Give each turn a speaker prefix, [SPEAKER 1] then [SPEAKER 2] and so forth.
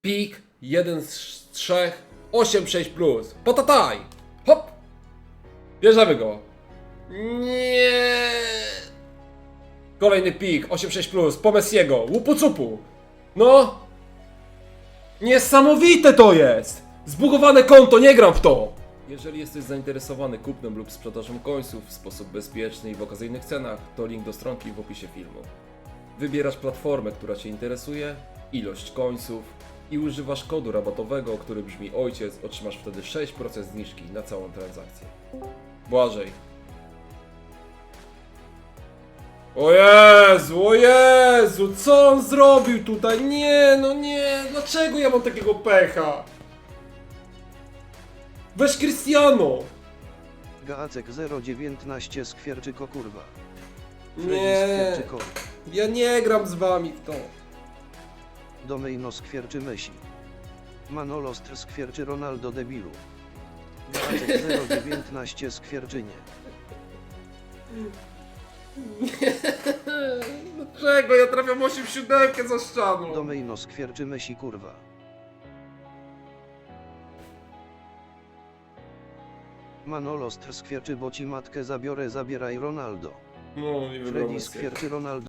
[SPEAKER 1] Pik, 1 z 3, 8-6 plus. Potataj! Hop! Bierzemy go. Nie. Kolejny pik, 8-6 plus, po Messiego, łupu cupu. No! Niesamowite to jest! Zbugowane konto, nie gram w to! Jeżeli jesteś zainteresowany kupnem lub sprzedażą końców w sposób bezpieczny i w okazyjnych cenach, to link do stronki w opisie filmu. Wybierasz platformę, która Cię interesuje, ilość końców i używasz kodu rabatowego, który brzmi ojciec, otrzymasz wtedy 6% zniżki na całą transakcję. Błażej. O Jezu, co on zrobił tutaj? Nie, no nie, dlaczego ja mam takiego pecha? Weź Cristiano!
[SPEAKER 2] Gacek 019 skwierczyko kurwa.
[SPEAKER 1] Nie,
[SPEAKER 2] Skwierczyko.
[SPEAKER 1] ja nie gram z wami w to.
[SPEAKER 2] Domejno skwierczy Messi. Manolostr skwierczy Ronaldo debilu. Gacek 019 skwierczynie.
[SPEAKER 1] Dlaczego? Ja trafiam 8-7 za ścianą.
[SPEAKER 2] Domejno skwierczy Messi kurwa. Manolostr skwierczy bo ci matkę zabiorę zabieraj Ronaldo.
[SPEAKER 1] No, nie
[SPEAKER 2] Freddy skwierczy Ronaldo.